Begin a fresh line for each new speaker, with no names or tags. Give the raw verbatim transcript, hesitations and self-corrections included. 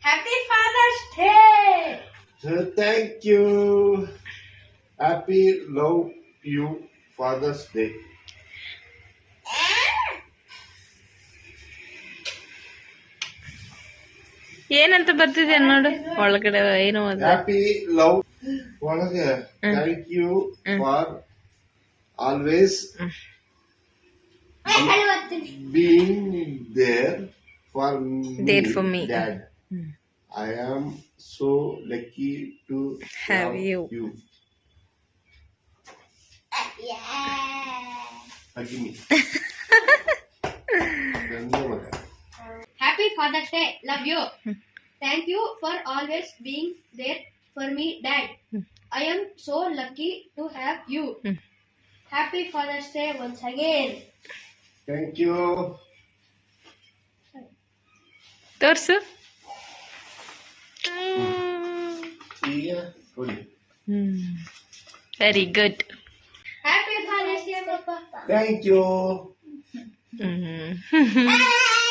Happy Father's Day.
So thank you. Happy love you Father's Day.
ಏನಂತ ಬರ್ತಿದೆ ನೋಡು ಒಳಗಡೆ ಏನು ಅದು
Happy love ಒಳಗೆ thank you for always being there for me,
There for me.
Dad. I am so lucky to
Have
have
you.
you.
Yeah.
Hug me. ಧನ್ಯವಾದ.
Happy Father's Day. Love you. Thank you for always being there for me, Dad. I am so lucky to have you. Happy Father's Day once again.
Thank you.
ತೋರ್ಸು
ಈಗ ಕೊಡಿ.
Very good
Happy Father's Day, Papa.
Thank you.
Hmm